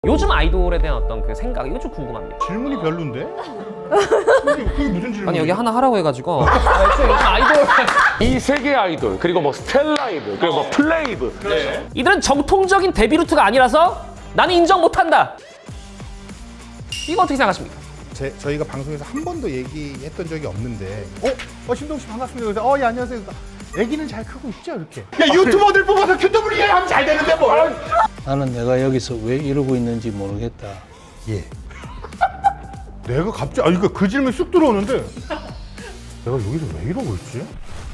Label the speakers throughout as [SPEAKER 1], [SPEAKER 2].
[SPEAKER 1] 요즘 아이돌에 대한 어떤 그 생각, 이거 좀 궁금합니다.
[SPEAKER 2] 질문이 별론데? 그게 무슨 질문이야?
[SPEAKER 1] 아니 여기 하나 하라고 해가지고 요즘 아이돌
[SPEAKER 3] 이 세계 아이돌, 그리고 뭐 스텔라이브, 그리고 뭐 플레이브.
[SPEAKER 1] 이들은 정통적인 데뷔 루트가 아니라서 나는 인정 못한다. 이거 어떻게 생각하십니까?
[SPEAKER 2] 저희가 방송에서 한 번도 얘기했던 적이 없는데 신동 씨 반갑습니다. 그래서 예 안녕하세요. 애기는 잘 크고 있죠 이렇게. 야 유튜버들 뽑아서 QW 하면 잘 되는데 뭘?
[SPEAKER 4] 나는 내가 여기서 왜 이러고 있는지 모르겠다.
[SPEAKER 2] 예. 내가 갑자기 그러니까 그 질문이 쑥 들어오는데 내가 여기서 왜 이러고 있지?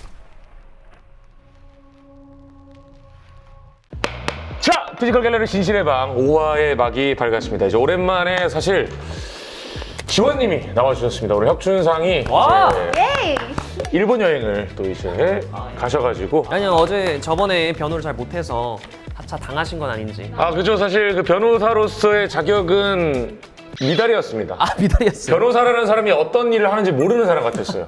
[SPEAKER 3] 자, 피지컬 갤러리 진실의 방 5화의 막이 밝았습니다. 이제 오랜만에 사실 지원님이 나와주셨습니다. 우리 혁준상이
[SPEAKER 1] 와!
[SPEAKER 3] 이제 일본 여행을 또 이제 가셔가지고
[SPEAKER 1] 아니 어제 저번에 변호를 잘 못해서 하차 당하신 건 아닌지.
[SPEAKER 3] 그죠. 사실 그 변호사로서의 자격은 미달이었습니다.
[SPEAKER 1] 미달이었어요.
[SPEAKER 3] 변호사라는 사람이 어떤 일을 하는지 모르는 사람 같았어요.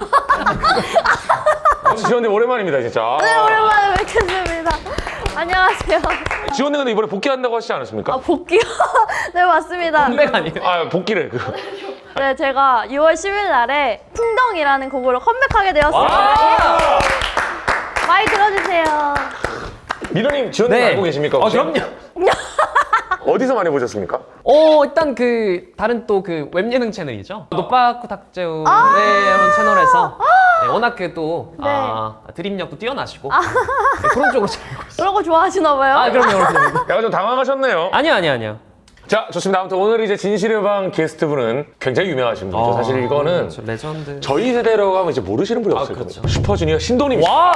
[SPEAKER 3] 지원님 오랜만입니다 진짜.
[SPEAKER 5] 네, 오랜만에 뵙겠습니다. 안녕하세요.
[SPEAKER 3] 지원님 근데 이번에 복귀한다고 하시지 않았습니까?
[SPEAKER 5] 복귀요? 네, 맞습니다.
[SPEAKER 1] 컴백 아니에요?
[SPEAKER 3] 복귀를
[SPEAKER 5] 네, 제가 6월 10일 날에 풍덩이라는 곡으로 컴백하게 되었습니다.
[SPEAKER 1] 와!
[SPEAKER 5] 많이 들어주세요.
[SPEAKER 3] 민호님 지원님 알고 계십니까? 혹시?
[SPEAKER 1] 그럼요.
[SPEAKER 3] 어디서 많이 보셨습니까?
[SPEAKER 1] 일단 그 다른 또 그 웹예능 채널이죠. 노빠꾸 탁재우의 이런 채널에서 워낙 그또 드립력도 뛰어나시고 그런 쪽으로 잘 알고 있어요.
[SPEAKER 5] 그런 거 좋아하시나 봐요.
[SPEAKER 1] 그럼요.
[SPEAKER 3] 약간 좀 당황하셨네요.
[SPEAKER 1] 아니요.
[SPEAKER 3] 자, 좋습니다. 아무튼 오늘 이제 진실의 방 게스트분은 굉장히 유명하신 분이죠. 사실 이거는
[SPEAKER 1] 레전드.
[SPEAKER 3] 저희 세대라고 하면 이제 모르시는 분이 없을
[SPEAKER 1] 그렇죠.
[SPEAKER 3] 겁니다. 슈퍼주니어 신동님이시죠.
[SPEAKER 1] 와!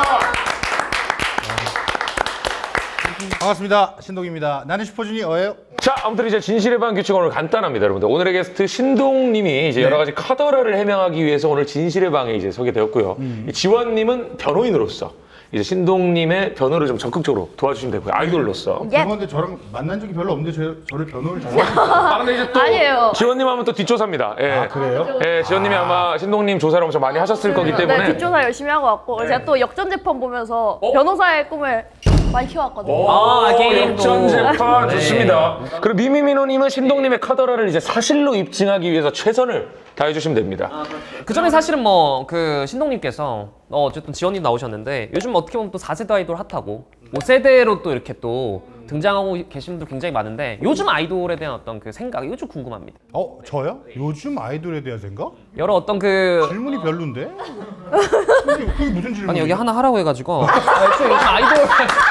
[SPEAKER 2] 반갑습니다. 신동입니다. 나는 슈퍼주니어예요.
[SPEAKER 3] 자, 아무튼 이제 진실의 방 규칙은 오늘 간단합니다, 여러분들. 오늘의 게스트 신동님이 이제 여러 가지 카더라를 해명하기 위해서 오늘 진실의 방에 이제 서게 되었고요. 이 지원님은 변호인으로서 이제 신동님의 변호를 좀 적극적으로 도와주시면 되고요. 아이돌로서.
[SPEAKER 5] 예.
[SPEAKER 2] 죄송한데 저랑 만난 적이 별로 없는데 저를 변호를 잘.
[SPEAKER 3] 근데 이제 또
[SPEAKER 5] 아니에요.
[SPEAKER 3] 지원님 하면 또 뒷조사입니다. 예.
[SPEAKER 2] 그래요?
[SPEAKER 3] 예, 지원님이 아마 신동님 조사를 엄청 많이 하셨을 거기 때문에.
[SPEAKER 5] 네, 뒷조사 열심히 하고 왔고 제가 또 역전재판 보면서 변호사의 꿈을 많이 키워왔거든요.
[SPEAKER 3] 역전 재판 좋습니다. 그리고 미미민호님은 신동님의 카더라를 이제 사실로 입증하기 위해서 최선을 다해주시면 됩니다.
[SPEAKER 1] 그 전에 사실은 뭐 그 신동님께서 어쨌든 지원님 나오셨는데 요즘 어떻게 보면 또 4세대 아이돌 핫하고 5세대로 또 이렇게 또 등장하고 계신 분들 굉장히 많은데 요즘 아이돌에 대한 어떤 그 생각, 이거 좀 궁금합니다.
[SPEAKER 2] 저요? 요즘 아이돌에 대한 생각?
[SPEAKER 1] 여러 어떤 그
[SPEAKER 2] 질문이 별론데? 그게 무슨 질문이야?
[SPEAKER 1] 아니 여기 하나 하라고 해가지고 요즘 아이돌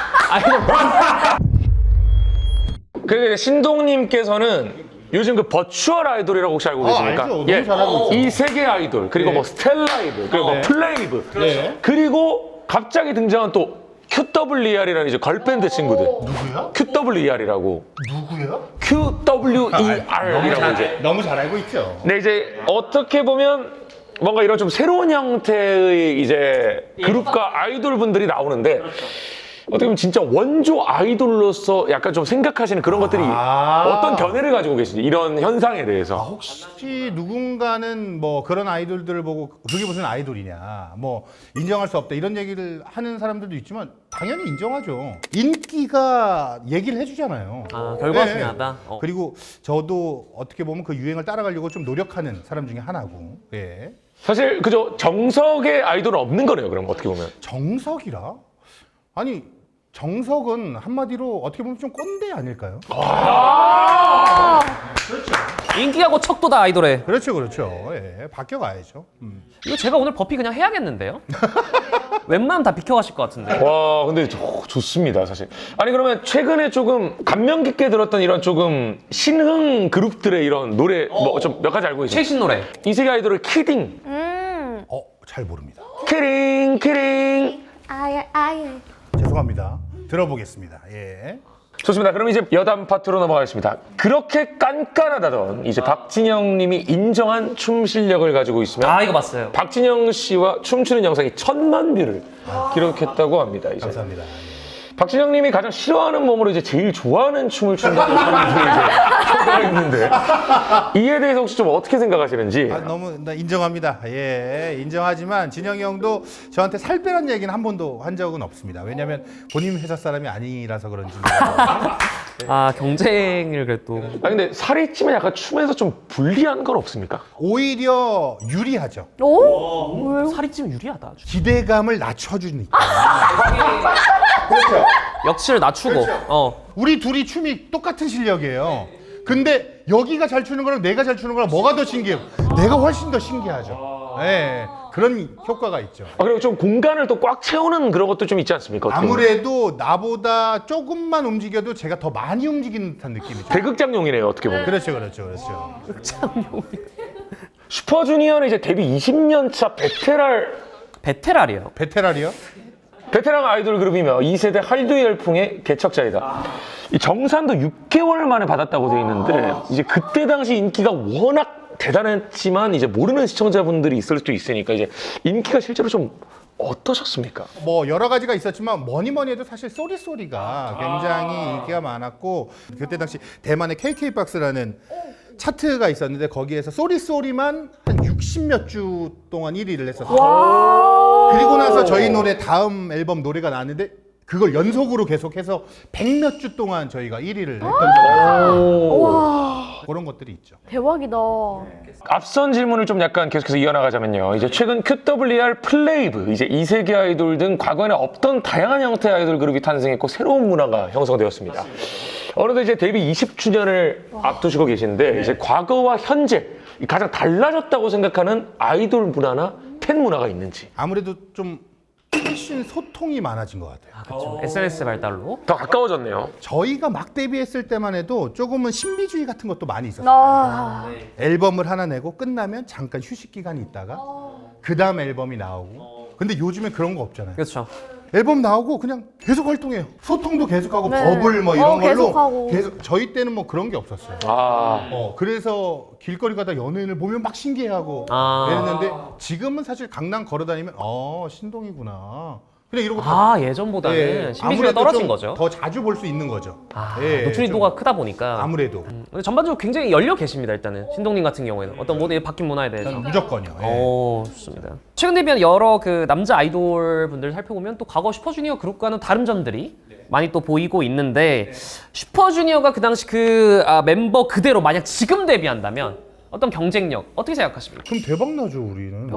[SPEAKER 3] 그리고 이제 신동님께서는 요즘 그 버추얼 아이돌이라고 혹시 알고 계십니까?
[SPEAKER 2] 알죠. 너무 잘하고 있죠.
[SPEAKER 3] 이 세계 아이돌, 그리고 뭐 스텔라이브, 그리고 뭐 플레이브, 그리고 갑자기 등장한 또 QWER이라는 이제 걸밴드 친구들.
[SPEAKER 2] 누구야?
[SPEAKER 3] QWER이라고.
[SPEAKER 2] 누구야?
[SPEAKER 3] QWER이라고 이제.
[SPEAKER 2] 너무 잘 알고 있죠.
[SPEAKER 3] 근데 이제 어떻게 보면 뭔가 이런 좀 새로운 형태의 이제 그룹과 아이돌 분들이 나오는데 어떻게 보면 진짜 원조 아이돌로서 약간 좀 생각하시는 그런 것들이 어떤 견해를 가지고 계신지 이런 현상에 대해서.
[SPEAKER 2] 혹시 누군가는 뭐 그런 아이돌들을 보고 그게 무슨 아이돌이냐, 뭐 인정할 수 없다 이런 얘기를 하는 사람들도 있지만 당연히 인정하죠. 인기가 얘기를 해주잖아요.
[SPEAKER 1] 결과가 중요하다.
[SPEAKER 2] 그리고 저도 어떻게 보면 그 유행을 따라가려고 좀 노력하는 사람 중에 하나고. 예.
[SPEAKER 3] 사실 그저 정석의 아이돌은 없는 거네요. 그럼 어떻게 보면.
[SPEAKER 2] 정석이라? 아니 정석은 한마디로 어떻게 보면 좀 꼰대 아닐까요?
[SPEAKER 1] 인기하고 척도다 아이돌에.
[SPEAKER 2] 그렇죠. 예, 바뀌어가야죠.
[SPEAKER 1] 이거 제가 오늘 버피 그냥 해야겠는데요? 웬만하면 다 비켜가실 것 같은데.
[SPEAKER 3] 와, 근데 좋습니다, 사실. 아니, 그러면 최근에 조금 감명 깊게 들었던 이런 조금 신흥 그룹들의 이런 노래 뭐 좀 몇 가지 알고 계시죠?
[SPEAKER 1] 최신 노래.
[SPEAKER 3] 이 세계 아이돌의 키딩.
[SPEAKER 2] 잘 모릅니다.
[SPEAKER 3] 키링.
[SPEAKER 5] 아예.
[SPEAKER 2] 죄송합니다. 들어보겠습니다. 예.
[SPEAKER 3] 좋습니다. 그럼 이제 여담 파트로 넘어가겠습니다. 그렇게 깐깐하다던 이제 박진영 님이 인정한 춤 실력을 가지고 있으면
[SPEAKER 1] 이거 봤어요.
[SPEAKER 3] 박진영 씨와 춤추는 영상이 1000만 뷰를 기록했다고 합니다. 이제.
[SPEAKER 2] 감사합니다.
[SPEAKER 3] 박진영 님이 가장 싫어하는 몸으로 이제 제일 좋아하는 춤을 춘다고 소개가 있는데 이에 대해서 혹시 좀 어떻게 생각하시는지.
[SPEAKER 2] 너무 나 인정합니다. 예, 인정하지만 진영이 형도 저한테 살 빼란 얘기는 한 번도 한 적은 없습니다. 왜냐하면 본인 회사 사람이 아니라서 그런지.
[SPEAKER 1] 아 경쟁을 그래도
[SPEAKER 3] 아 근데 살이 찌면 약간 춤에서 좀 불리한 건 없습니까?
[SPEAKER 2] 오히려 유리하죠.
[SPEAKER 5] 오? 왜요?
[SPEAKER 1] 살이 찌면 유리하다. 아주.
[SPEAKER 2] 기대감을 낮춰주니까.
[SPEAKER 1] 역치를 낮추고.
[SPEAKER 2] 우리 둘이 춤이 똑같은 실력이에요. 근데 여기가 잘 추는 거랑 내가 잘 추는 거랑 뭐가 더 신기해요? 내가 훨씬 더 신기하죠. 네, 그런 효과가 있죠.
[SPEAKER 3] 아 그리고 좀 공간을 또 꽉 채우는 그런 것도 좀 있지 않습니까? 어떻게 보면?
[SPEAKER 2] 아무래도 나보다 조금만 움직여도 제가 더 많이 움직이는 듯한 느낌이죠.
[SPEAKER 3] 대극장용이네요 어떻게 보면.
[SPEAKER 2] 그렇죠.
[SPEAKER 3] 슈퍼주니어는 이제 데뷔 20년 차
[SPEAKER 1] 베테랑이에요.
[SPEAKER 2] 베테랑이요?
[SPEAKER 3] 베테랑 아이돌 그룹이며 2세대 한류 열풍의 개척자이다. 이 정산도 6개월 만에 받았다고 돼 있는데 이제 그때 당시 인기가 워낙 대단했지만 이제 모르는 시청자분들이 있을 수도 있으니까 이제 인기가 실제로 좀 어떠셨습니까?
[SPEAKER 2] 뭐 여러 가지가 있었지만 뭐니 해도 사실 쏘리쏘리가 굉장히 인기가 많았고 그때 당시 대만의 KK박스라는 차트가 있었는데 거기에서 쏘리쏘리만 한 60몇 주 동안 1위를 했었어요. 그리고 나서 저희 노래 다음 앨범 노래가 나왔는데 그걸 연속으로 계속해서 100몇 주 동안 저희가 1위를 했던 적이 있어요. 그런 것들이 있죠.
[SPEAKER 5] 대박이다.
[SPEAKER 3] 앞선 질문을 좀 약간 계속해서 이어나가자면요. 이제 최근 QWR, 플레이브, 이제 2세기 아이돌 등 과거에는 없던 다양한 형태의 아이돌 그룹이 탄생했고 새로운 문화가 형성되었습니다. 어느덧 이제 데뷔 20주년을 앞두시고 계신데 이제 과거와 현재 가장 달라졌다고 생각하는 아이돌 문화나 팬 문화가 있는지.
[SPEAKER 2] 아무래도 좀 훨씬 소통이 많아진 것 같아요.
[SPEAKER 1] 그렇죠. SNS 발달로.
[SPEAKER 3] 더 가까워졌네요.
[SPEAKER 2] 저희가 막 데뷔했을 때만 해도 조금은 신비주의 같은 것도 많이 있었어요.
[SPEAKER 5] 아,
[SPEAKER 2] 앨범을 하나 내고 끝나면 잠깐 휴식 기간이 있다가 그 다음 앨범이 나오고. 근데 요즘엔 그런 거 없잖아요.
[SPEAKER 1] 그렇죠.
[SPEAKER 2] 앨범 나오고 그냥 계속 활동해요. 소통도 계속하고
[SPEAKER 5] 네.
[SPEAKER 2] 버블 뭐 이런 걸로
[SPEAKER 5] 계속하고.
[SPEAKER 2] 계속. 저희 때는 뭐 그런 게 없었어요. 그래서 길거리 가다 연예인을 보면 막 신기해하고 이랬는데 지금은 사실 강남 걸어다니면 신동이구나. 그냥 이러고
[SPEAKER 1] 예전보다는 신비주의가 떨어진 거죠.
[SPEAKER 2] 더 자주 볼 수 있는 거죠. 예,
[SPEAKER 1] 노출인도가
[SPEAKER 2] 좀
[SPEAKER 1] 크다 보니까.
[SPEAKER 2] 아무래도
[SPEAKER 1] 근데 전반적으로 굉장히 열려 계십니다. 일단은 신동님 같은 경우에는 어떤 모든 바뀐 문화에 대해서.
[SPEAKER 2] 무조건이요. 예.
[SPEAKER 1] 오, 좋습니다. 최근 데뷔한 여러 그 남자 아이돌 분들 살펴보면 또 과거 슈퍼주니어 그룹과는 다른 점들이 많이 또 보이고 있는데 슈퍼주니어가 그 당시 멤버 그대로 만약 지금 데뷔한다면 어떤 경쟁력 어떻게 생각하십니까?
[SPEAKER 2] 그럼 대박 나죠 우리는.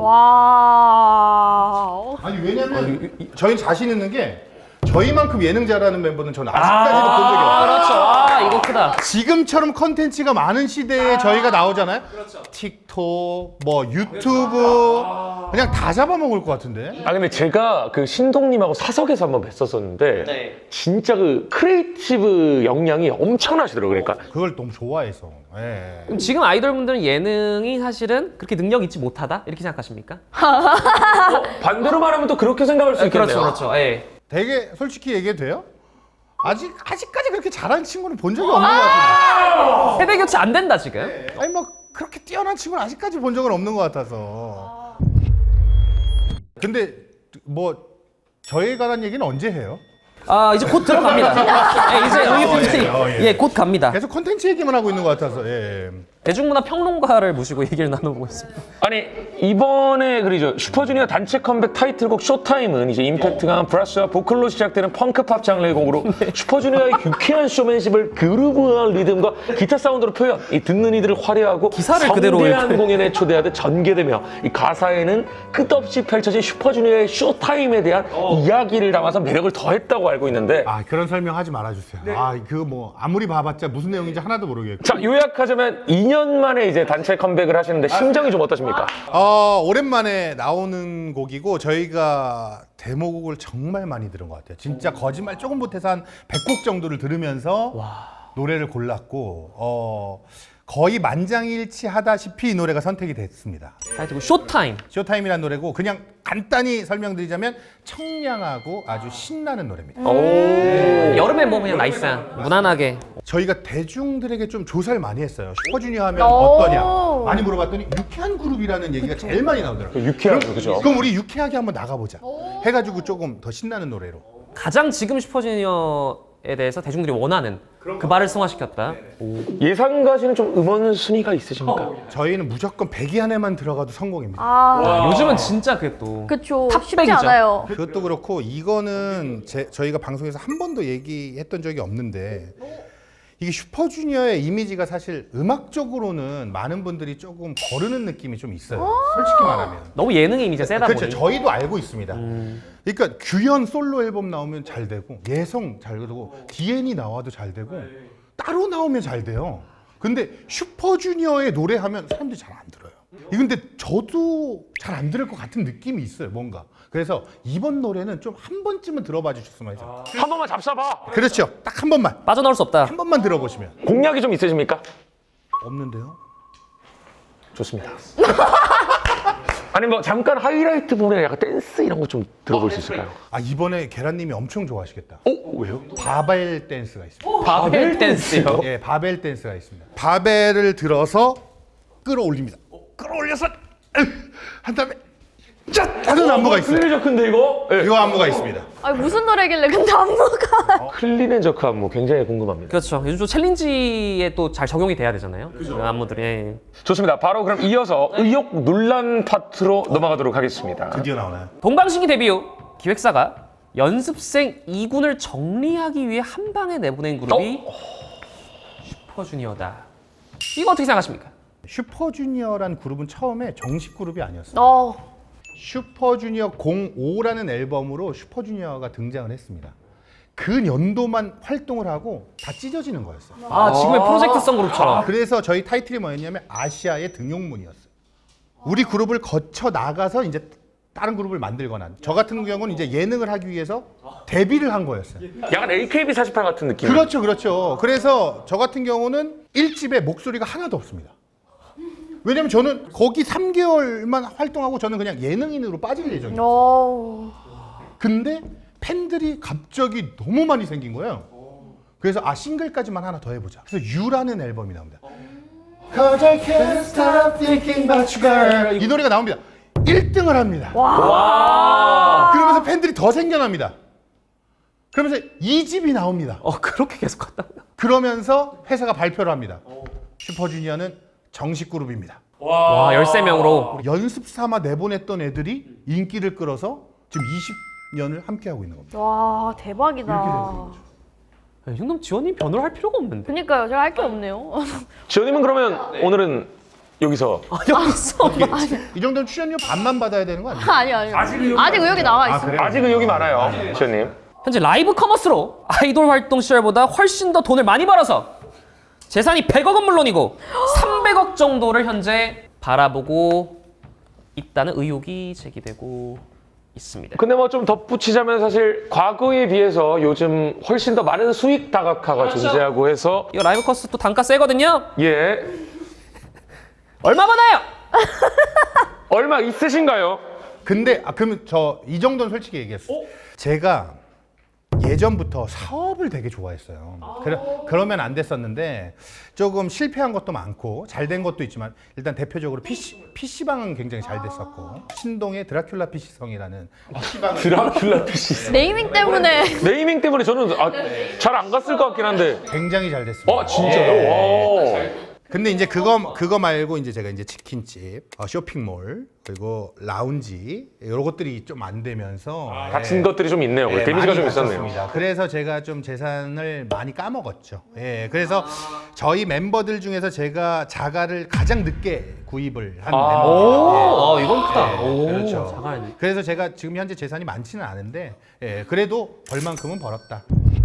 [SPEAKER 5] 와.
[SPEAKER 2] 아니 왜냐면 저희는 자신 있는 게 저희만큼 예능 잘하는 멤버는 저는 아직까지도 본 적이 없어요.
[SPEAKER 1] 그렇죠. 이거 크다.
[SPEAKER 2] 지금처럼 컨텐츠가 많은 시대에 저희가 나오잖아요. 틱톡, 뭐 유튜브 그냥 다 잡아먹을 것 같은데.
[SPEAKER 3] 아 근데 제가 그 신동님하고 사석에서 한번 뵀었었는데 진짜 그 크리에이티브 역량이 엄청나시더라고요. 그러니까
[SPEAKER 2] 그걸 너무 좋아해서. 예.
[SPEAKER 1] 그럼 지금 아이돌분들은 예능이 사실은 그렇게 능력 있지 못하다 이렇게 생각하십니까?
[SPEAKER 3] 반대로 말하면 또 그렇게 생각할 수 있겠네요.
[SPEAKER 1] 그렇죠. 예.
[SPEAKER 2] 되게 솔직히 얘기해도 돼요? 아직까지 그렇게 잘하는 친구는 본 적이 없는 것 같아요.
[SPEAKER 1] 세대 교체 안 된다 지금.
[SPEAKER 2] 아니 뭐 그렇게 뛰어난 친구는 아직까지 본 적은 없는 것 같아서. 근데 뭐 저에 관한 얘기는 언제 해요?
[SPEAKER 1] 이제 곧 들어갑니다. 이제 우리 분들이 곧 갑니다.
[SPEAKER 2] 계속 컨텐츠 얘기만 하고 있는 것 같아서. 예.
[SPEAKER 1] 대중문화 평론가를 모시고 얘기를 나눠보고 있습니다.
[SPEAKER 3] 아니 이번에 그리죠 슈퍼주니어 단체 컴백 타이틀곡 쇼타임은 이제 임팩트 강한 브라스와 보컬로 시작되는 펑크팝 장르의 곡으로 슈퍼주니어의 유쾌한 쇼맨십을 그루브한 리듬과 기타 사운드로 표현. 이 듣는 이들을 화려하고
[SPEAKER 1] 기사를 그대로
[SPEAKER 3] 성대한
[SPEAKER 1] 읽고.
[SPEAKER 3] 공연에 초대하듯 전개되며 이 가사에는 끝없이 펼쳐진 슈퍼주니어의 쇼타임에 대한 이야기를 담아서 매력을 더했다고 알고 있는데.
[SPEAKER 2] 그런 설명하지 말아주세요. 그거 뭐 아무리 봐봤자 무슨 내용인지 하나도 모르겠고.
[SPEAKER 3] 자 요약하자면 2년 만에 이제 단체 컴백을 하시는데 심정이 좀 어떠십니까?
[SPEAKER 2] 오랜만에 나오는 곡이고 저희가 데모곡을 정말 많이 들은 것 같아요. 진짜 거짓말 조금 못해서 한 100곡 정도를 들으면서 노래를 골랐고 거의 만장일치하다시피 이 노래가 선택이 됐습니다.
[SPEAKER 1] 타이틀곡 쇼타임.
[SPEAKER 2] 쇼타임이라는 노래고 그냥 간단히 설명드리자면 청량하고 아주 신나는 노래입니다.
[SPEAKER 1] 여름에 뭐 그냥 나이스한 무난하게.
[SPEAKER 2] 저희가 대중들에게 좀 조사를 많이 했어요. 슈퍼주니어 하면
[SPEAKER 5] 오.
[SPEAKER 2] 어떠냐 많이 물어봤더니 유쾌한 그룹이라는 얘기가 제일 많이 나오더라고요.
[SPEAKER 3] 유쾌한 그죠?
[SPEAKER 2] 그럼 우리 유쾌하게 한번 나가보자 해가지고 조금 더 신나는 노래로.
[SPEAKER 1] 가장 지금 슈퍼주니어에 대해서 대중들이 원하는 그 말을 승화시켰다.
[SPEAKER 3] 예상 가시는 좀 음원 순위가 있으십니까?
[SPEAKER 2] 저희는 무조건 100위 안에만 들어가도 성공입니다.
[SPEAKER 1] 요즘은 진짜 그게 또
[SPEAKER 5] 그쵸. 쉽지
[SPEAKER 1] 탑백이죠.
[SPEAKER 5] 않아요.
[SPEAKER 2] 그것도 그렇고 이거는 저희가 방송에서 한 번도 얘기했던 적이 없는데 이게 슈퍼주니어의 이미지가 사실 음악적으로는 많은 분들이 조금 거르는 느낌이 좀 있어요. 솔직히 말하면.
[SPEAKER 1] 너무 예능이 이미지가 세다
[SPEAKER 2] 그렇죠.
[SPEAKER 1] 보니.
[SPEAKER 2] 저희도 알고 있습니다. 그러니까 규현 솔로 앨범 나오면 잘 되고 예성 잘 되고 DN이 나와도 잘 되고 따로 나오면 잘 돼요. 근데 슈퍼주니어의 노래하면 사람들이 잘 안 들어요. 근데 저도 잘 안 들을 것 같은 느낌이 있어요. 뭔가. 그래서 이번 노래는 좀 한 번쯤은 들어봐 주셨으면 해서.
[SPEAKER 3] 한 번만 잡숴봐.
[SPEAKER 2] 그렇죠. 딱 한 번만.
[SPEAKER 1] 빠져나올 수 없다.
[SPEAKER 2] 한 번만 들어보시면.
[SPEAKER 3] 공약이 좀 있으십니까?
[SPEAKER 2] 없는데요?
[SPEAKER 3] 좋습니다. 아니 뭐 잠깐 하이라이트 부분에 약간 댄스 이런 거 좀 들어볼 수 있을까요?
[SPEAKER 2] 아 이번에 계란님이 엄청 좋아하시겠다.
[SPEAKER 3] 왜요?
[SPEAKER 2] 바벨 댄스가 있습니다.
[SPEAKER 1] 바벨 댄스요.
[SPEAKER 2] 예, 바벨 댄스가 있습니다. 바벨을 들어서 끌어올립니다. 끌어올려서 한 다음에 짠 하는 안무가 있어요.
[SPEAKER 3] 클리저크인데 이거? 예.
[SPEAKER 2] 이 안무가 있습니다.
[SPEAKER 5] 아니 무슨 노래길래 근데 안무가
[SPEAKER 3] 클리넨저크 안무 굉장히 궁금합니다.
[SPEAKER 1] 그렇죠. 요즘 좀 챌린지에 또 잘 적용이 돼야 되잖아요. 그 안무들이.
[SPEAKER 3] 좋습니다. 바로 그럼 이어서 의혹 논란 파트로 넘어가도록 하겠습니다.
[SPEAKER 2] 드디어 나오나요?
[SPEAKER 1] 동방신기 데뷔 후 기획사가 연습생 2군을 정리하기 위해 한 방에 내보낸 그룹이 슈퍼주니어다. 이거 어떻게 생각하십니까?
[SPEAKER 2] 슈퍼주니어란 그룹은 처음에 정식 그룹이 아니었어요. 슈퍼주니어 05라는 앨범으로 슈퍼주니어가 등장을 했습니다. 그 연도만 활동을 하고 다 찢어지는 거였어요.
[SPEAKER 1] 아, 지금의 프로젝트성 그룹처럼.
[SPEAKER 2] 그래서 저희 타이틀이 뭐였냐면 아시아의 등용문이었어요. 우리 그룹을 거쳐 나가서 이제 다른 그룹을 만들거나 저 같은 경우는 이제 예능을 하기 위해서 데뷔를 한 거였어요.
[SPEAKER 3] 약간 AKB48 같은 느낌.
[SPEAKER 2] 그렇죠, 그렇죠. 그래서 저 같은 경우는 1집에 목소리가 하나도 없습니다. 왜냐면 저는 거기 3개월만 활동하고 저는 그냥 예능인으로 빠질 예정이에요. 근데 팬들이 갑자기 너무 많이 생긴 거예요. 그래서 싱글까지만 하나 더 해보자. 그래서 U라는 앨범이 나옵니다. Cause I can't stop thinking about you, girl. 이 노래가 나옵니다. 1등을 합니다. 그러면서 팬들이 더 생겨납니다. 그러면서 2집이 나옵니다.
[SPEAKER 1] 그렇게 계속 갔다.
[SPEAKER 2] 그러면서 회사가 발표를 합니다. 슈퍼주니어는 정식 그룹입니다.
[SPEAKER 1] 와, 13명으로.
[SPEAKER 2] 연습 삼아 내보냈던 애들이 인기를 끌어서 지금 20년을 함께하고 있는 겁니다.
[SPEAKER 5] 와 대박이다.
[SPEAKER 1] 이 정도면 지원님 변호를 할 필요가 없는데.
[SPEAKER 5] 그러니까요. 제가 할 게 없네요.
[SPEAKER 3] 지원님은 그러면 오늘은 여기서
[SPEAKER 1] 여기 있어.
[SPEAKER 2] 이 정도면 출연료 반만 받아야 되는 거 아니에요?
[SPEAKER 5] 아니요. 아직 의혹이 나와 있어.
[SPEAKER 2] 그래요?
[SPEAKER 3] 아직 의혹이 많아요, 지원님.
[SPEAKER 1] 현재 라이브 커머스로 아이돌 활동 시절보다 훨씬 더 돈을 많이 벌어서 재산이 100억은 물론이고 300억 정도를 현재 바라보고 있다는 의혹이 제기되고 있습니다.
[SPEAKER 3] 근데 뭐 좀 덧붙이자면 사실 과거에 비해서 요즘 훨씬 더 많은 수익 다각화가 존재하고 해서
[SPEAKER 1] 이거 라이브 커스 또 단가 세거든요.
[SPEAKER 3] 예.
[SPEAKER 1] 얼마 받아요?
[SPEAKER 3] 얼마 있으신가요?
[SPEAKER 2] 근데 그러면 저 이 정도는 솔직히 얘기했어요. 제가 예전부터 사업을 되게 좋아했어요. 그러면 안 됐었는데 조금 실패한 것도 많고 잘 된 것도 있지만 일단 대표적으로 PC방은 굉장히 잘 됐었고 신동의 드라큘라 PC성이라는 PC방을
[SPEAKER 3] 드라큘라 PC.
[SPEAKER 5] 네이밍 때문에
[SPEAKER 3] 네이밍 때문에 저는 잘 안 갔을 것 같긴 한데.
[SPEAKER 2] 굉장히 잘 됐습니다.
[SPEAKER 3] 진짜요? 와.
[SPEAKER 2] 근데 이제 그거 말고 이제 제가 이제 치킨집, 쇼핑몰 그리고 라운지 이런 것들이 좀 안 되면서
[SPEAKER 3] 갇힌 것들이 좀 있네요. 데미지가 좀 있었네요.
[SPEAKER 2] 있었습니다. 그래서 제가 좀 재산을 많이 까먹었죠. 예, 그래서 저희 멤버들 중에서 제가 자가를 가장 늦게 구입을 한 멤버예요.
[SPEAKER 1] 이건 크다.
[SPEAKER 2] 그렇죠.
[SPEAKER 1] 자가는.
[SPEAKER 2] 그래서 제가 지금 현재 재산이 많지는 않은데 그래도 벌만큼은 벌었다.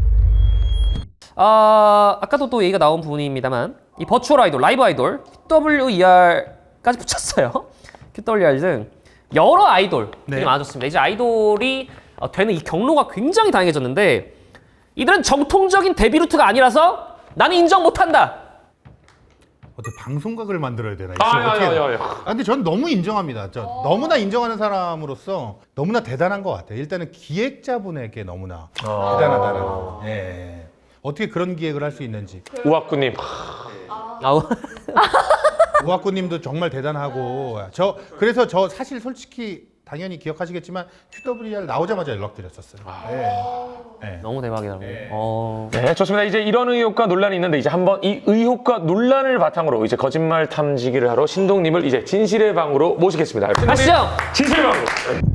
[SPEAKER 1] 아까도 또 얘기가 나온 부분입니다만 이 버추얼 아이돌, 라이브 아이돌, QWER까지 붙였어요. QWER 등 여러 아이돌이 많아졌습니다. 이제 아이돌이 되는 이 경로가 굉장히 다양해졌는데 이들은 정통적인 데뷔 루트가 아니라서 나는 인정 못한다.
[SPEAKER 2] 어떻게 방송각을 만들어야 되나? 근데 전 너무 인정합니다. 너무나 인정하는 사람으로서 너무나 대단한 것 같아요. 일단은 기획자분에게 너무나 대단하다는. 예. 어떻게 그런 기획을 할 수 있는지.
[SPEAKER 3] 우악구님.
[SPEAKER 2] 우학구님도 정말 대단하고 그래서 저 사실 솔직히 당연히 기억하시겠지만 QWER 나오자마자 연락드렸었어요. 네.
[SPEAKER 1] 너무 대박이더라고요.
[SPEAKER 3] 네, 좋습니다. 이제 이런 의혹과 논란이 있는데 이제 한번 이 의혹과 논란을 바탕으로 이제 거짓말 탐지기를 하러 신동님을 이제 진실의 방으로 모시겠습니다.
[SPEAKER 1] 가시죠.
[SPEAKER 3] 진실의 방으로.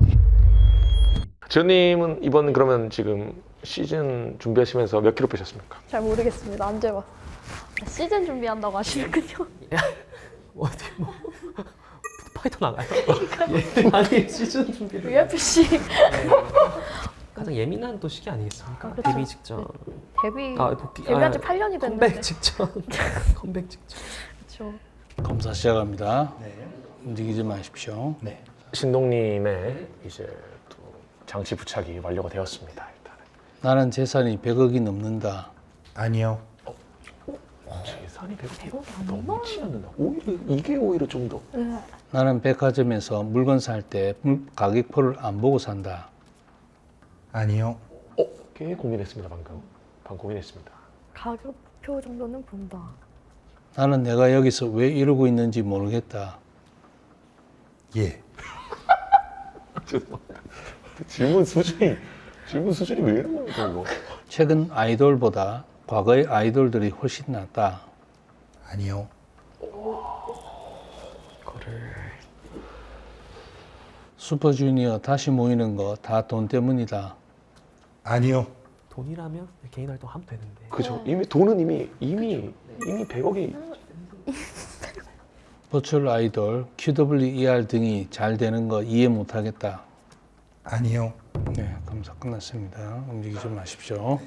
[SPEAKER 3] 지원님은 이번 그러면 지금 시즌 준비하시면서 몇 킬로 빼셨습니까?
[SPEAKER 5] 잘 모르겠습니다. 안 재봤어. 시즌 준비한다고 하시는군요.
[SPEAKER 1] 어디 뭐 파이터 나가요? 예. 아니 시즌 준비를
[SPEAKER 5] UFC
[SPEAKER 1] 가장 예민한 또 시기 아니겠습니까?
[SPEAKER 5] 그렇죠.
[SPEAKER 1] 데뷔 직전.
[SPEAKER 5] 데뷔한 지 8년이 됐는데.
[SPEAKER 1] 컴백 직전. 컴백 직전.
[SPEAKER 5] 그렇죠.
[SPEAKER 4] 검사 시작합니다. 움직이지 마십시오.
[SPEAKER 2] 네.
[SPEAKER 3] 신동님의 이제 또 장치 부착이 완료가 되었습니다. 일단은
[SPEAKER 4] 나는 재산이 100억이 넘는다.
[SPEAKER 2] 아니요.
[SPEAKER 3] 재산이 100억이 넘지 않는다. 오히려 이게 오히려 좀 더.
[SPEAKER 4] 나는 백화점에서 물건 살 때 가격표를 안 보고 산다.
[SPEAKER 2] 아니요.
[SPEAKER 3] 꽤 고민했습니다 방금 고민했습니다.
[SPEAKER 5] 가격표 정도는 본다.
[SPEAKER 4] 나는 내가 여기서 왜 이러고 있는지 모르겠다.
[SPEAKER 2] 예.
[SPEAKER 3] 죄송합니다. 질문 수준이 왜 이런 겁니까 이거?
[SPEAKER 4] 최근 아이돌보다 과거의 아이돌들이 훨씬 낫다.
[SPEAKER 2] 아니요.
[SPEAKER 4] 슈퍼주니어 다시 모이는 거 다 돈 때문이다.
[SPEAKER 2] 아니요.
[SPEAKER 1] 돈이라면 개인 활동 하면 되는데.
[SPEAKER 3] 그죠? 이미 돈은 이미 100억이
[SPEAKER 4] 버추얼 아이돌, QWER 등이 잘 되는 거 이해 못하겠다.
[SPEAKER 2] 아니요.
[SPEAKER 4] 네, 검사 끝났습니다. 움직이지 마십시오.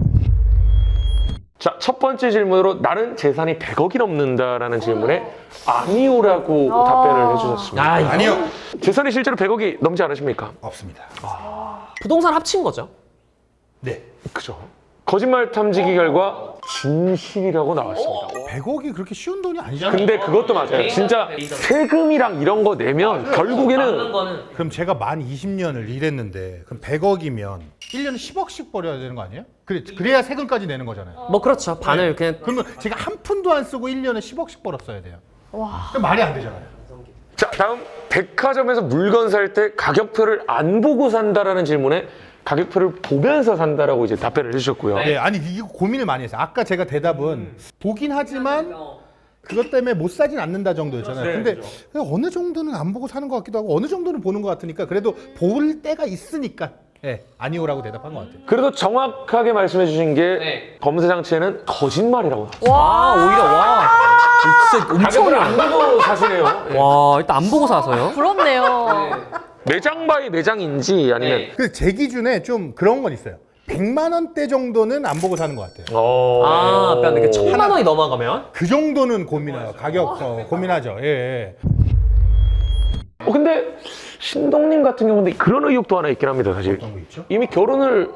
[SPEAKER 3] 자, 첫 번째 질문으로 나는 재산이 100억이 넘는다라는 질문에 아니오라고 답변을 해주셨습니다.
[SPEAKER 2] 아니요.
[SPEAKER 3] 재산이 실제로 100억이 넘지 않으십니까?
[SPEAKER 2] 없습니다.
[SPEAKER 1] 부동산 합친 거죠?
[SPEAKER 2] 네.
[SPEAKER 3] 그죠. 거짓말 탐지기 결과 진실이라고 나왔습니다.
[SPEAKER 2] 100억이 그렇게 쉬운 돈이 아니잖아요.
[SPEAKER 3] 근데 그것도 맞아요. 진짜 세금이랑 이런 거 내면 결국에는
[SPEAKER 2] 그럼 제가 만 20년을 일했는데 그럼 100억이면 1년에 10억씩 벌어야 되는 거 아니에요? 그래야 세금까지 내는 거잖아요.
[SPEAKER 1] 뭐 그렇죠. 반을 그냥
[SPEAKER 2] 그러면 제가 한 푼도 안 쓰고 1년에 10억씩 벌었어야 돼요.
[SPEAKER 5] 와.
[SPEAKER 2] 그럼 말이 안 되잖아요.
[SPEAKER 3] 자, 다음 백화점에서 물건 살 때 가격표를 안 보고 산다라는 질문에 가격표를 보면서 산다라고 이제 답변을 해주셨고요.
[SPEAKER 2] 네, 아니 이거 고민을 많이 했어요. 아까 제가 대답은 보긴 하지만 그것 때문에 못 사진 않는다 정도였잖아요. 근데 어느 정도는 안 보고 사는 것 같기도 하고 어느 정도는 보는 것 같으니까 그래도 볼 때가 있으니까 아니오라고 대답한 것 같아요.
[SPEAKER 3] 그래도 정확하게 말씀해 주신 게 검사 장치에는 거짓말이라고 나왔어요.
[SPEAKER 1] 와 오히려 와 진짜 엄청
[SPEAKER 3] 가격을 안 보고 사시네요.
[SPEAKER 1] 와 일단 안 보고 사서요?
[SPEAKER 5] 부럽네요.
[SPEAKER 3] 매장 바이 매장인지 아니면
[SPEAKER 2] 그 제 기준에 좀 그런 건 있어요. 100만 원대 정도는 안 보고 사는 것 같아요.
[SPEAKER 1] 아 약간 이렇게 1000만 원이 넘어가면?
[SPEAKER 2] 그 정도는 고민해요. 가격 고민하죠. 예.
[SPEAKER 3] 근데 신동님 같은 경우는 그런 의혹도 하나 있긴 합니다. 사실
[SPEAKER 2] 어떤 거 있죠?
[SPEAKER 3] 이미 결혼을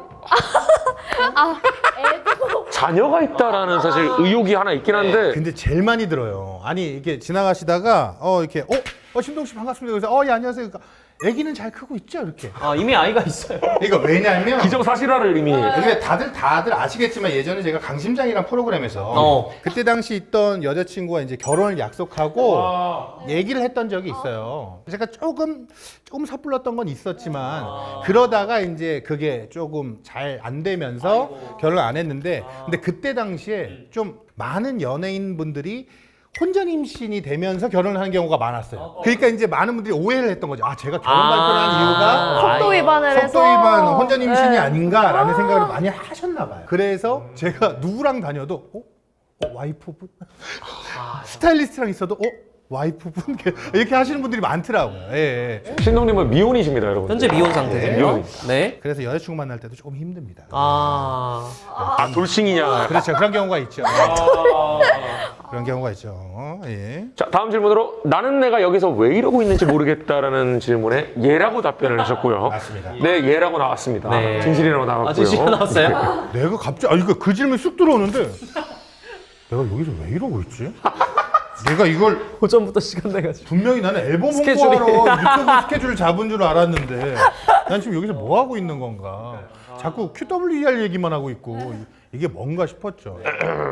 [SPEAKER 3] 자녀가 있다라는 사실 의혹이 하나 있긴 한데
[SPEAKER 2] 근데 제일 많이 들어요. 아니 이게 지나가시다가 이렇게 신동 씨 반갑습니다. 그래서 예 안녕하세요. 그러니까 아기는 잘 크고 있죠 이렇게.
[SPEAKER 1] 아 이미 아이가 있어요.
[SPEAKER 2] 이거 왜냐면
[SPEAKER 3] 기정사실화를 이미
[SPEAKER 2] 근데 다들 아시겠지만 예전에 제가 강심장이란 프로그램에서 그때 당시 있던 여자친구와 이제 결혼을 약속하고 얘기를 했던 적이 있어요. 제가 조금 섣불렀던 건 있었지만 그러다가 이제 그게 조금 잘 안 되면서 결혼 안 했는데 근데 그때 당시에 좀 많은 연예인분들이 혼전 임신이 되면서 결혼을 하는 경우가 많았어요. 그러니까 이제 많은 분들이 오해를 했던 거죠. 아, 제가 결혼 발표를 한 이유가
[SPEAKER 5] 속도 위반을 해서.
[SPEAKER 2] 속도 위반, 혼전 임신이 아닌가라는 생각을 많이 하셨나 봐요. 그래서 제가 누구랑 다녀도 와이프분? 스타일리스트랑 있어도 와이프분? 이렇게 하시는 분들이 많더라고요. 예.
[SPEAKER 3] 신동님은 미혼이십니다, 여러분.
[SPEAKER 1] 현재 미혼 상태세요?
[SPEAKER 3] 미혼입니다.
[SPEAKER 1] 네.
[SPEAKER 2] 그래서 여자친구 만날 때도 조금 힘듭니다.
[SPEAKER 3] 돌싱이냐?
[SPEAKER 2] 그렇죠. 그런 경우가 있죠. 그런 경우가 있죠. 예.
[SPEAKER 3] 자, 다음 질문으로 나는 내가 여기서 왜 이러고 있는지 모르겠다라는 질문에 예라고 답변을 하셨고요.
[SPEAKER 2] 맞습니다.
[SPEAKER 3] 네, 예라고 나왔습니다.
[SPEAKER 1] 네.
[SPEAKER 3] 진실이라고 나왔고요.
[SPEAKER 1] 진실 나왔어요?
[SPEAKER 2] 내가 갑자기 이거 그 질문 쑥 들어오는데 내가 여기서 왜 이러고 있지? 내가 이걸
[SPEAKER 1] 오전부터 시간 내가지고.
[SPEAKER 2] 분명히 나는 앨범
[SPEAKER 1] 스케줄이.
[SPEAKER 2] 홍보하러 유튜브 스케줄을 잡은 줄 알았는데 난 지금 여기서 뭐 하고 있는 건가? 자꾸 QWER 얘기만 하고 있고 이게 뭔가 싶었죠.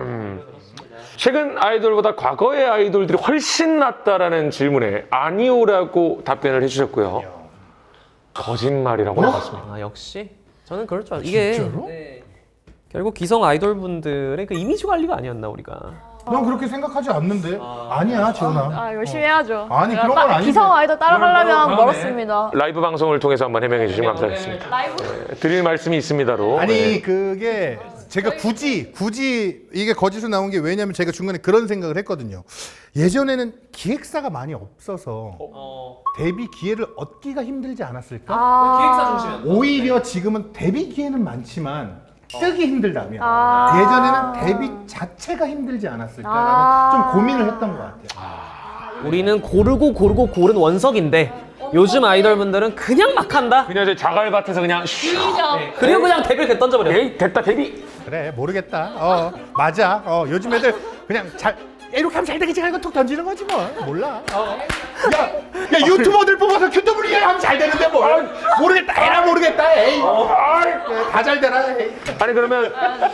[SPEAKER 3] 최근 아이돌보다 과거의 아이돌들이 훨씬 낫다라는 질문에 아니오라고 답변을 해주셨고요. 거짓말이라고 나왔습니다.
[SPEAKER 1] 아 역시 저는 그럴 줄 알았어요. 이게
[SPEAKER 2] 진짜로?
[SPEAKER 1] 결국 기성 아이돌 분들의 그 이미지 관리가 아니었나 우리가.
[SPEAKER 2] 난 그렇게 생각하지 않는데 아니야 지훈아.
[SPEAKER 5] 열심히 해야죠.
[SPEAKER 2] 아니, 그런 건 아닌데.
[SPEAKER 5] 기성 아이돌 따라가려면 멀었습니다.
[SPEAKER 3] 라이브 방송을 통해서 한번 해명해 주시면 감사하겠습니다. 드릴 말씀이 있습니다로.
[SPEAKER 2] 아니 그게 제가 굳이 이게 거짓으로 나온 게 왜냐면 제가 중간에 그런 생각을 했거든요. 예전에는 기획사가 많이 없어서 데뷔 기회를 얻기가 힘들지 않았을까?
[SPEAKER 1] 기획사 중심이었나?
[SPEAKER 2] 오히려 지금은 데뷔 기회는 많지만 뜨기 힘들다면
[SPEAKER 5] 아.
[SPEAKER 2] 예전에는 데뷔 자체가 힘들지 않았을까라는 좀 고민을 했던 것 같아요.
[SPEAKER 1] 우리는 고르고 고른 원석인데 요즘 아이돌분들은 그냥 막 한다.
[SPEAKER 3] 그냥 저 자갈밭에서 그냥
[SPEAKER 1] 그리고 그냥 데뷔를 그냥 던져버려.
[SPEAKER 3] 에이 됐다 데뷔.
[SPEAKER 2] 그래 모르겠다. 맞아. 요즘 애들 그냥 이렇게 하면 잘 되겠지 하고 툭 던지는 거지 뭐. 몰라. 야 유튜버들 뽑아서 QW 하면 잘 되는데 뭐. 모르겠다. 에라 모르겠다. 에이. 다 잘 되라. 에이.
[SPEAKER 3] 아니 그러면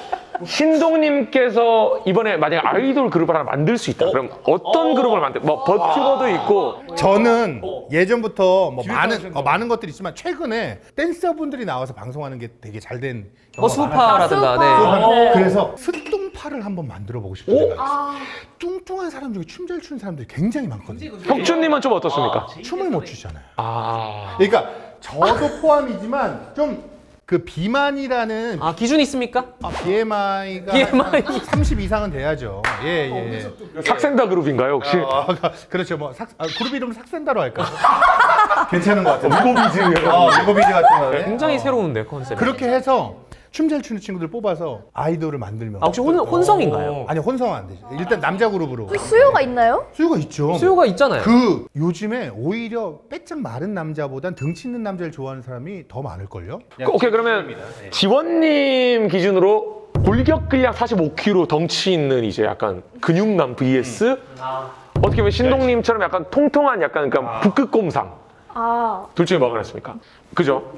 [SPEAKER 3] 신동님께서 이번에 만약에 아이돌 그룹을 하나 만들 수 있다. 그럼 어떤 그룹을 뭐 버튜버도 있고.
[SPEAKER 2] 저는 예전부터 뭐 많은 것들이 있지만 최근에 댄서분들이 나와서 방송하는 게 되게 잘된
[SPEAKER 1] 수파라든가.
[SPEAKER 5] 네.
[SPEAKER 2] 그래서 스뚱파를 한번 만들어 보고 싶은 생각이 있어요. 뚱뚱한 사람 중에 춤 잘 추는 사람들이 굉장히 많거든요.
[SPEAKER 3] 혁준님은 좀 어떻습니까?
[SPEAKER 2] 춤을 못 추잖아요.
[SPEAKER 3] 아.
[SPEAKER 2] 그러니까 저도 포함이지만 좀 그 비만이라는
[SPEAKER 1] 기준이 있습니까?
[SPEAKER 2] BMI가
[SPEAKER 1] BMI.
[SPEAKER 2] 30 이상은 돼야죠. 예.
[SPEAKER 3] 삭센다 그룹인가요 혹시?
[SPEAKER 2] 그렇죠. 뭐 그룹 이름 삭센다로 할까요? 괜찮은 것 같아요. 무고비즈. 무고비즈 같은 거.
[SPEAKER 1] 굉장히 새로운데 컨셉.
[SPEAKER 2] 그렇게 해서 춤 잘 추는 친구들 뽑아서 아이돌을 만들면
[SPEAKER 1] 혹시 혼성인가요?
[SPEAKER 2] 아니 혼성은 안 되죠. 일단 남자 그룹으로
[SPEAKER 5] 수요가 있나요?
[SPEAKER 2] 수요가 있죠.
[SPEAKER 1] 수요가 있잖아요.
[SPEAKER 2] 요즘에 오히려 빼짝 마른 남자보단 등치 있는 남자를 좋아하는 사람이 더 많을걸요?
[SPEAKER 3] 오케이 그러면 지원님 기준으로 골격 근량 45kg 덩치 있는 이제 약간 근육남 vs 어떻게 보면 신동님처럼 약간 통통한 약간 그러니까 북극곰상 둘 중에 뭐가 낫습니까? 그죠?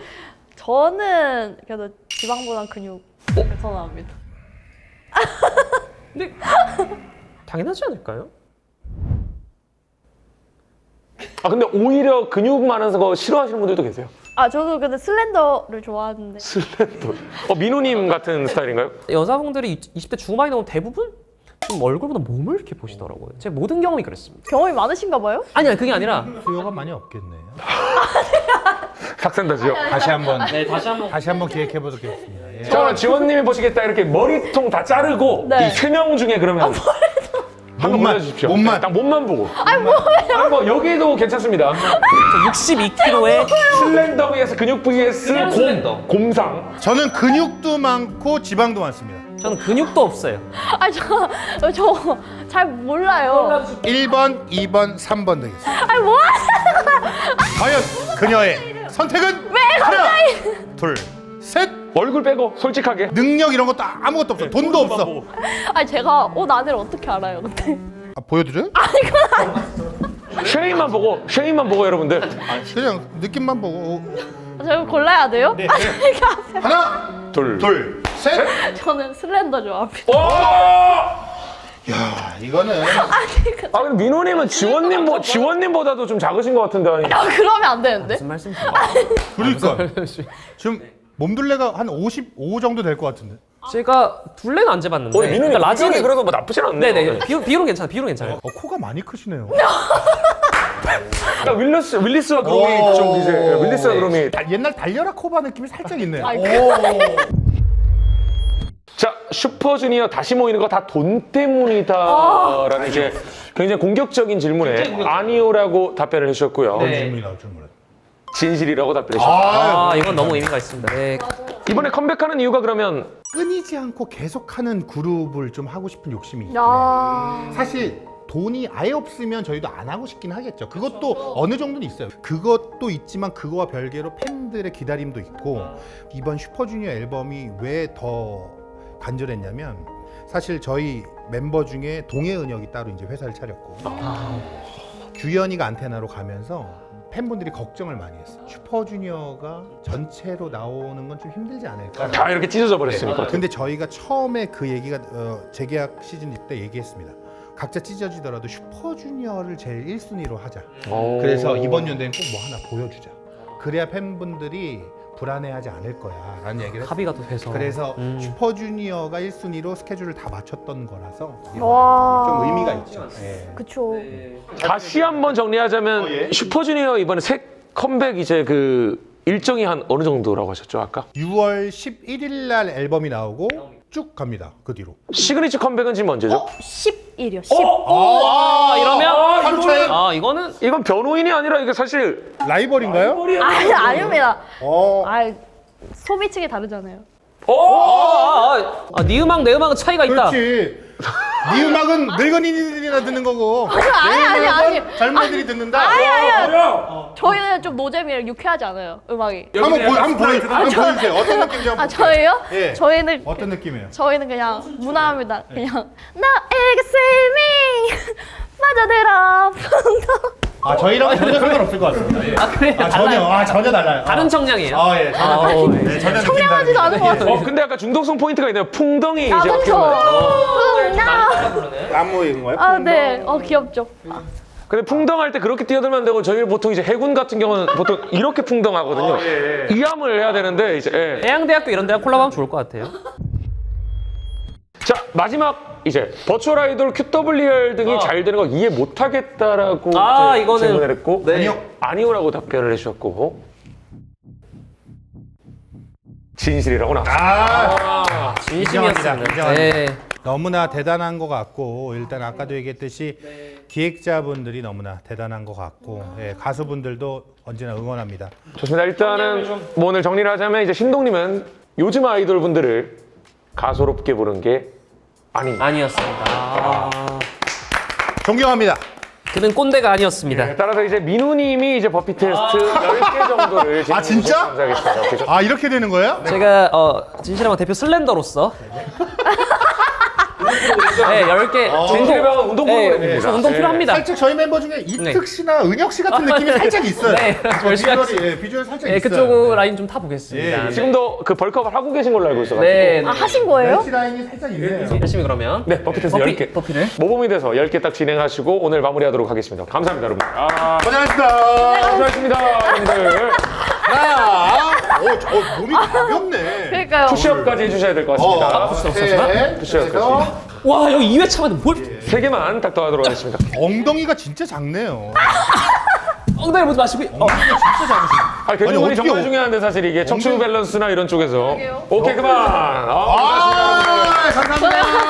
[SPEAKER 5] 저는 그래도 지방보단 근육 선호합니다.
[SPEAKER 1] 근데 당연하지 않을까요?
[SPEAKER 3] 근데 오히려 근육 많은 거 싫어하시는 분들도 계세요.
[SPEAKER 5] 저도 근데 슬렌더를 좋아하는데.
[SPEAKER 3] 슬렌더. 민호님 같은 스타일인가요?
[SPEAKER 1] 여자분들이 20대 중반이 넘으면 대부분 좀 얼굴보다 몸을 이렇게 보시더라고요. 제 모든 경험이 그랬습니다.
[SPEAKER 5] 경험이 많으신가 봐요?
[SPEAKER 1] 아니 그게 아니라
[SPEAKER 2] 수요가 많이 없겠네.
[SPEAKER 3] 삭센다지요.
[SPEAKER 2] 다시 한번
[SPEAKER 1] 다시 한번
[SPEAKER 2] 기획해 보겠습니다. 예.
[SPEAKER 3] 자, 지원님이 보시겠다 이렇게 머리통 다 자르고
[SPEAKER 5] 네.
[SPEAKER 3] 이 세 명 중에 그러면 한번 보여주십시오.
[SPEAKER 2] 몸만.
[SPEAKER 3] 딱 몸만 보고. 아니 뭐예요? 뭐 여기도 괜찮습니다.
[SPEAKER 1] 62kg에
[SPEAKER 3] 슬렌더 vs 근육 vs
[SPEAKER 1] 그냥 슬렌더.
[SPEAKER 3] 곰상.
[SPEAKER 2] 저는 근육도 많고 지방도 많습니다.
[SPEAKER 1] 저는 근육도 없어요.
[SPEAKER 5] 저 잘 몰라요.
[SPEAKER 2] 1번, 2번, 3번 되겠습니다.
[SPEAKER 5] 아니 뭐?
[SPEAKER 2] 과연 그녀의 선택은 하나, 둘, 셋.
[SPEAKER 3] 얼굴 빼고 솔직하게.
[SPEAKER 2] 능력 이런 것도 아무것도 없어. 돈도 없어.
[SPEAKER 5] 아니 제가 옷 안을 어떻게 알아요, 근데?
[SPEAKER 2] 보여드려요?
[SPEAKER 3] 쉐임만 보고 여러분들.
[SPEAKER 2] 그냥 느낌만 보고
[SPEAKER 5] 제가 골라야 돼요?
[SPEAKER 2] 네.
[SPEAKER 5] 아니 이게 앞에.
[SPEAKER 2] 하나,
[SPEAKER 3] 둘.
[SPEAKER 2] 셋.
[SPEAKER 5] 저는 슬렌더 좋아합니다.
[SPEAKER 3] 오!
[SPEAKER 2] 야, 이거는
[SPEAKER 3] 근데 민호님은 지원님보다도 좀 작으신 것 같은데 아니?
[SPEAKER 5] 그러면 안 되는데?
[SPEAKER 1] 무슨 말씀이세요?
[SPEAKER 2] 그러니까 지금 몸둘레가 한 55 정도 될 것 같은데.
[SPEAKER 1] 제가 둘레는 안 재봤는데.
[SPEAKER 3] 민호님
[SPEAKER 1] 그러니까
[SPEAKER 3] 라진이 그래도 뭐 나쁘진 않네.
[SPEAKER 1] 네네. 비율은 괜찮아요.
[SPEAKER 2] 코가 많이 크시네요.
[SPEAKER 3] 그러니까 윌리스와 그롬이 좀 이제 윌리스와 그롬이.
[SPEAKER 2] 옛날 달려라 코바 느낌이 살짝 있네요.
[SPEAKER 5] 아니,
[SPEAKER 3] 자, 슈퍼주니어 다시 모이는 거 다 돈 때문이다라는 이제 굉장히 공격적인 질문에 아니오라고 답변을 해주셨고요.
[SPEAKER 1] 네.
[SPEAKER 2] 질문이 나올 줄 몰랐.
[SPEAKER 3] 진실이라고 답변을 해주셨고
[SPEAKER 1] 이건 너무 의미가 있습니다. 네.
[SPEAKER 3] 이번에 컴백하는 이유가 그러면
[SPEAKER 2] 끊이지 않고 계속하는 그룹을 좀 하고 싶은 욕심이 있긴 해요.
[SPEAKER 5] 야.
[SPEAKER 2] 사실 돈이 아예 없으면 저희도 안 하고 싶긴 하겠죠. 그것도 어느 정도는 있어요. 그것도 있지만 그거와 별개로 팬들의 기다림도 있고 이번 슈퍼주니어 앨범이 왜 더 간절했냐면 사실 저희 멤버 중에 동해은혁이 따로 이제 회사를 차렸고 규현이가 안테나로 가면서 팬분들이 걱정을 많이 했어요. 슈퍼주니어가 전체로 나오는 건 좀 힘들지 않을까.
[SPEAKER 3] 다 이렇게 찢어져 버렸으니까.
[SPEAKER 2] 근데 저희가 처음에 그 얘기가 재계약 시즌 때 얘기했습니다. 각자 찢어지더라도 슈퍼주니어를 제일 1순위로 하자. 그래서 이번 연대는 꼭 뭐 하나 보여주자. 그래야 팬분들이 불안해하지 않을 거야 라는 얘기를 했어요.
[SPEAKER 1] 합의가 또 돼서.
[SPEAKER 2] 그래서 슈퍼주니어가 1순위로 스케줄을 다 맞췄던 거라서
[SPEAKER 5] 와.
[SPEAKER 2] 좀 의미가 있죠. 예.
[SPEAKER 5] 그쵸.
[SPEAKER 3] 다시 한번 정리하자면 슈퍼주니어 이번에 새 컴백 이제 그 일정이 한 어느 정도라고 하셨죠 아까?
[SPEAKER 2] 6월 11일 날 앨범이 나오고 쭉 갑니다. 그 뒤로.
[SPEAKER 3] 시그니처 컴백은 지금 언제죠?
[SPEAKER 5] 10일이요. 10.
[SPEAKER 1] 이러면
[SPEAKER 2] 하루 차이?
[SPEAKER 1] 이거는
[SPEAKER 3] 이건 변호인이 아니라 이게 사실
[SPEAKER 2] 라이벌인가요?
[SPEAKER 5] 아니 아닙니다.
[SPEAKER 2] 어.
[SPEAKER 5] 아 소비층이 다르잖아요.
[SPEAKER 1] 네 음악 내 음악은 차이가 있다.
[SPEAKER 2] 그렇지. 네 음악은 늙은이들이나 듣는 거고.
[SPEAKER 5] 아니.
[SPEAKER 2] 젊은이들이 듣는다.
[SPEAKER 5] 저희는 좀 노잼이랑 유쾌하지 않아요. 음악이.
[SPEAKER 2] 한번 보여주세요. 어떤 느낌인지 한번.
[SPEAKER 5] 아 저희요?
[SPEAKER 2] 예.
[SPEAKER 5] 저희는
[SPEAKER 2] 어떤 느낌이에요?
[SPEAKER 5] 저희는 그냥 무난합니다. 그냥 나에게 스밍 빠져들어 풍덩.
[SPEAKER 2] 아 저희랑 전혀 상관없을 것 같습니다. 예.
[SPEAKER 1] 그래요?
[SPEAKER 2] 전혀 달라요.
[SPEAKER 1] 다른 청량이에요.
[SPEAKER 2] 예, 전혀 느낌
[SPEAKER 5] 청량하지도 않은 것 같아요.
[SPEAKER 3] 근데 약간 중독성 포인트가 있네요. 풍덩이 이제 어떻게
[SPEAKER 5] 그렇죠.
[SPEAKER 3] 보면.
[SPEAKER 5] 풍덩.
[SPEAKER 2] 안무인 거예요?
[SPEAKER 5] 아 네. 귀엽죠.
[SPEAKER 3] 근데 풍덩할 때 그렇게 뛰어들면 안 되고 저희 보통 이제 해군 같은 경우는 보통 이렇게 풍덩하거든요. 이 함을 해야 되는데 이제
[SPEAKER 1] 해양대학교 이런 데랑 콜라보하면 좋을 것 같아요.
[SPEAKER 3] 자 마지막 이제 버추얼 아이돌 QWR 등이 잘 되는 거 이해 못하겠다라고 이제
[SPEAKER 1] 이거는
[SPEAKER 3] 질문을 했고
[SPEAKER 1] 네.
[SPEAKER 3] 아니오라고 답변을 해주셨고 진실이라고 나왔습니다.
[SPEAKER 1] 진심이었습니다.
[SPEAKER 2] 인정합니다.
[SPEAKER 1] 네.
[SPEAKER 2] 너무나 대단한 것 같고 일단 아까도 얘기했듯이 기획자분들이 너무나 대단한 것 같고 가수분들도 언제나 응원합니다.
[SPEAKER 3] 좋습니다. 일단은 뭐 오늘 정리를 하자면 이제 신동님은 요즘 아이돌 분들을 가소롭게 부른 게
[SPEAKER 1] 아니었습니다.
[SPEAKER 2] 존경합니다.
[SPEAKER 1] 그는 꼰대가 아니었습니다.
[SPEAKER 3] 따라서 이제 민우님이 이제 버피 테스트 10개 정도를
[SPEAKER 2] 아, 진짜?
[SPEAKER 3] 감사하겠습니다.
[SPEAKER 2] 아 이렇게 되는 거예요?
[SPEAKER 1] 제가 진실한 대표 슬렌더로서 네, 10개
[SPEAKER 3] 진실방은 운동 프로그램입니다.
[SPEAKER 1] 운동 필요합니다.
[SPEAKER 2] 살짝 저희 멤버 중에 이특 씨나 은혁 씨 같은 느낌이 살짝 있어요.
[SPEAKER 1] 네, 열심히
[SPEAKER 2] 비주얼 살짝
[SPEAKER 1] 네,
[SPEAKER 2] 있어요.
[SPEAKER 1] 그쪽 라인 좀 타보겠습니다.
[SPEAKER 2] 예.
[SPEAKER 3] 지금도 그 벌크업을 하고 계신 걸로 알고 있어가지고
[SPEAKER 1] 네,
[SPEAKER 5] 아 하신 거예요?
[SPEAKER 2] 멜시 라인이 살짝 있네요.
[SPEAKER 1] 열심히 그러면
[SPEAKER 3] 네, 버피 테스트 10개
[SPEAKER 1] 버피를
[SPEAKER 3] 모범이 돼서 10개 딱 진행하시고 오늘 마무리하도록 하겠습니다. 감사합니다 여러분.
[SPEAKER 2] 고생하셨습니다.
[SPEAKER 3] 수고하셨습니다 여러분들.
[SPEAKER 2] 저 몸이 가볍네.
[SPEAKER 5] 그러니까요.
[SPEAKER 3] 푸시업까지 해주셔야 될 것 같습니다. 푸시업까지.
[SPEAKER 1] 와 여기 2회차만 뭘
[SPEAKER 3] 3개만 딱 더하도록 하겠습니다.
[SPEAKER 2] 엉덩이가 진짜 작네요.
[SPEAKER 1] 엉덩이 보지 마시고
[SPEAKER 2] 진짜 작으시네.
[SPEAKER 3] 아, 대중분이
[SPEAKER 2] 어떻게
[SPEAKER 3] 정말 중요한데 사실 이게 척추 밸런스나 이런 쪽에서
[SPEAKER 5] 그러게요.
[SPEAKER 3] 오케이 그만.
[SPEAKER 2] 감사합니다.